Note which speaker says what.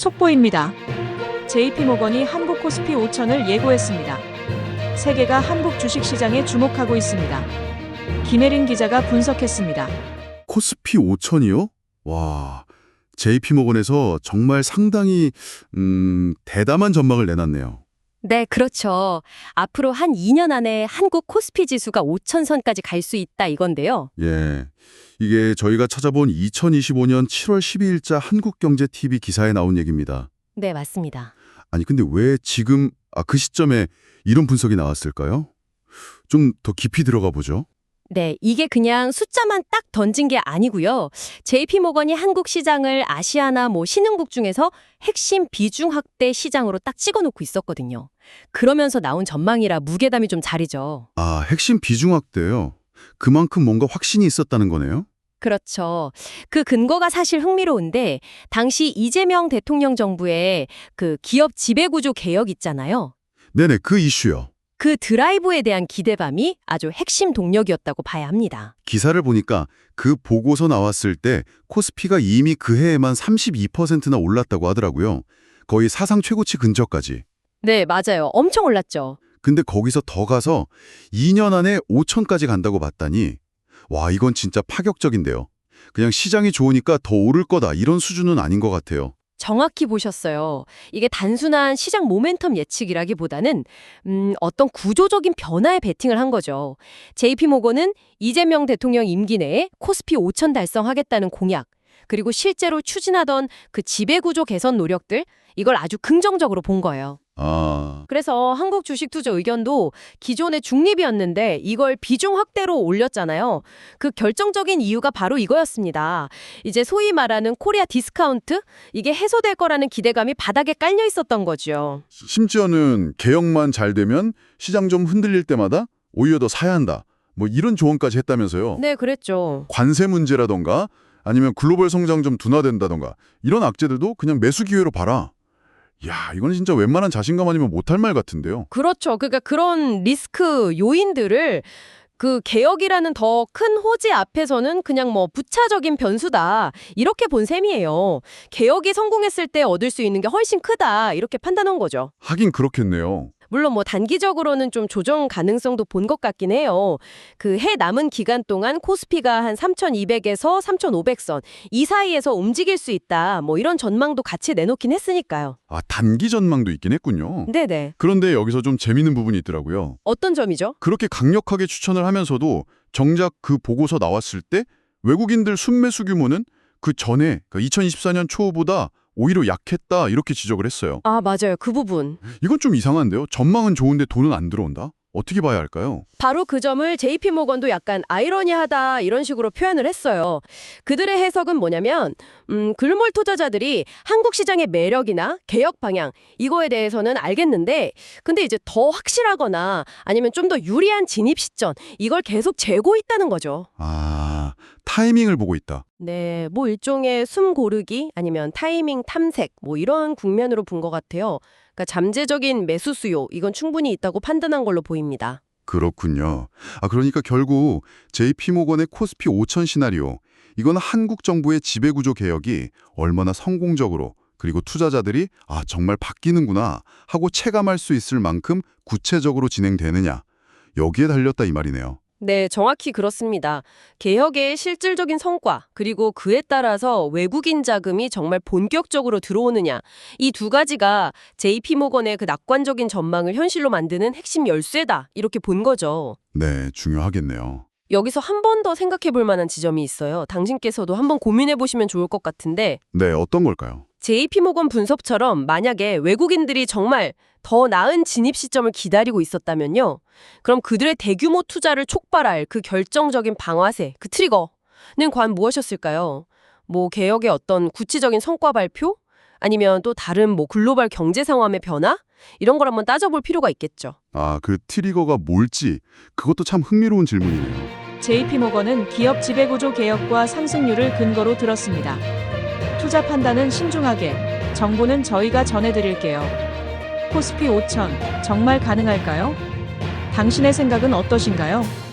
Speaker 1: 속보입니다. JP모건이 한국 코스피 5천을 예고했습니다. 세계가 한국 주식시장에 주목하고 있습니다. 김혜린 기자가 분석했습니다.
Speaker 2: 코스피 5천이요? 와, JP모건에서 정말 상당히 대담한 전망을 내놨네요.
Speaker 3: 네, 그렇죠. 앞으로 한 2년 안에 한국 코스피 지수가 5천선까지 갈 수 있다 이건데요.
Speaker 2: 예, 이게 저희가 찾아본 2025년 7월 12일자 한국경제TV 기사에 나온 얘기입니다.
Speaker 3: 네, 맞습니다.
Speaker 2: 아니 근데 왜 지금 그 시점에 이런 분석이 나왔을까요? 좀 더 깊이 들어가 보죠.
Speaker 3: 네, 이게 그냥 숫자만 딱 던진 게 아니고요. JP모건이 한국 시장을 아시아나 신흥국 중에서 핵심 비중 확대 시장으로 딱 찍어놓고 있었거든요. 그러면서 나온 전망이라 무게감이 좀 자리죠.
Speaker 2: 아, 핵심 비중 확대요. 그만큼 뭔가 확신이 있었다는 거네요.
Speaker 3: 그렇죠. 그 근거가 사실 흥미로운데 당시 이재명 대통령 정부의 그 기업 지배구조 개혁 있잖아요.
Speaker 2: 네네, 그 이슈요.
Speaker 3: 그 드라이브에 대한 기대감이 아주 핵심 동력이었다고 봐야 합니다.
Speaker 2: 기사를 보니까 그 보고서 나왔을 때 코스피가 이미 그 해에만 32%나 올랐다고 하더라고요. 거의 사상 최고치 근처까지.
Speaker 3: 네, 맞아요. 엄청 올랐죠.
Speaker 2: 근데 거기서 더 가서 2년 안에 5천까지 간다고 봤다니 와, 이건 진짜 파격적인데요. 그냥 시장이 좋으니까 더 오를 거다 이런 수준은 아닌 것 같아요.
Speaker 3: 정확히 보셨어요. 이게 단순한 시장 모멘텀 예측이라기보다는 어떤 구조적인 변화에 베팅을 한 거죠. JP모건은 이재명 대통령 임기 내에 코스피 5천 달성하겠다는 공약, 그리고 실제로 추진하던 그 지배구조 개선 노력들, 이걸 아주 긍정적으로 본 거예요. 그래서 한국 주식 투자 의견도 기존의 중립이었는데 이걸 비중 확대로 올렸잖아요. 그 결정적인 이유가 바로 이거였습니다. 이제 소위 말하는 코리아 디스카운트? 이게 해소될 거라는 기대감이 바닥에 깔려 있었던 거죠.
Speaker 2: 심지어는 개혁만 잘 되면 시장 좀 흔들릴 때마다 오히려 더 사야 한다. 이런 조언까지 했다면서요.
Speaker 3: 네, 그랬죠.
Speaker 2: 관세 문제라던가 아니면 글로벌 성장 좀 둔화된다던가 이런 악재들도 그냥 매수 기회로 봐라. 야, 이건 진짜 웬만한 자신감 아니면 못할 말 같은데요.
Speaker 3: 그렇죠. 그러니까 그런 리스크 요인들을 그 개혁이라는 더 큰 호재 앞에서는 그냥 부차적인 변수다. 이렇게 본 셈이에요. 개혁이 성공했을 때 얻을 수 있는 게 훨씬 크다. 이렇게 판단한 거죠.
Speaker 2: 하긴 그렇겠네요.
Speaker 3: 물론 단기적으로는 좀 조정 가능성도 본 것 같긴 해요. 그 해 남은 기간 동안 코스피가 한 3,200에서 3,500선 이 사이에서 움직일 수 있다. 이런 전망도 같이 내놓긴 했으니까요.
Speaker 2: 단기 전망도 있긴 했군요.
Speaker 3: 네네.
Speaker 2: 그런데 여기서 좀 재미있는 부분이 있더라고요.
Speaker 3: 어떤 점이죠?
Speaker 2: 그렇게 강력하게 추천을 하면서도 정작 그 보고서 나왔을 때 외국인들 순매수 규모는 그 전에 2024년 초보다 오히려 약했다 이렇게 지적을 했어요.
Speaker 3: 아, 맞아요. 그 부분.
Speaker 2: 이건 좀 이상한데요. 전망은 좋은데 돈은 안 들어온다? 어떻게 봐야 할까요?
Speaker 3: 바로 그 점을 JP모건도 약간 아이러니하다 이런 식으로 표현을 했어요. 그들의 해석은 뭐냐면 글로벌 투자자들이 한국 시장의 매력이나 개혁 방향 이거에 대해서는 알겠는데 근데 이제 더 확실하거나 아니면 좀 더 유리한 진입 시점 이걸 계속 재고 있다는 거죠.
Speaker 2: 타이밍을 보고 있다.
Speaker 3: 네, 일종의 숨 고르기 아니면 타이밍 탐색 이런 국면으로 본 것 같아요. 그러니까 잠재적인 매수 수요 이건 충분히 있다고 판단한 걸로 보입니다.
Speaker 2: 그렇군요. 그러니까 결국 JP모건의 코스피 5천 시나리오 이건 한국 정부의 지배구조 개혁이 얼마나 성공적으로 그리고 투자자들이 정말 바뀌는구나 하고 체감할 수 있을 만큼 구체적으로 진행되느냐 여기에 달렸다 이 말이네요.
Speaker 3: 네, 정확히 그렇습니다. 개혁의 실질적인 성과, 그리고 그에 따라서 외국인 자금이 정말 본격적으로 들어오느냐, 이 두 가지가 JP모건의 그 낙관적인 전망을 현실로 만드는 핵심 열쇠다, 이렇게 본 거죠.
Speaker 2: 네, 중요하겠네요.
Speaker 3: 여기서 한 번 더 생각해 볼 만한 지점이 있어요. 당신께서도 한번 고민해 보시면 좋을 것 같은데,
Speaker 2: 네, 어떤 걸까요?
Speaker 3: JP모건 분석처럼 만약에 외국인들이 정말 더 나은 진입 시점을 기다리고 있었다면요. 그럼 그들의 대규모 투자를 촉발할 그 결정적인 방아쇠, 그 트리거는 과연 무엇이었을까요? 개혁의 어떤 구체적인 성과 발표? 아니면 또 다른 글로벌 경제 상황의 변화? 이런 걸 한번 따져볼 필요가 있겠죠.
Speaker 2: 그 트리거가 뭘지 그것도 참 흥미로운 질문이네요.
Speaker 1: JP모건은 기업 지배구조 개혁과 상승률을 근거로 들었습니다. 투자 판단은 신중하게, 정보는 저희가 전해드릴게요. 코스피 5천 정말 가능할까요? 당신의 생각은 어떠신가요?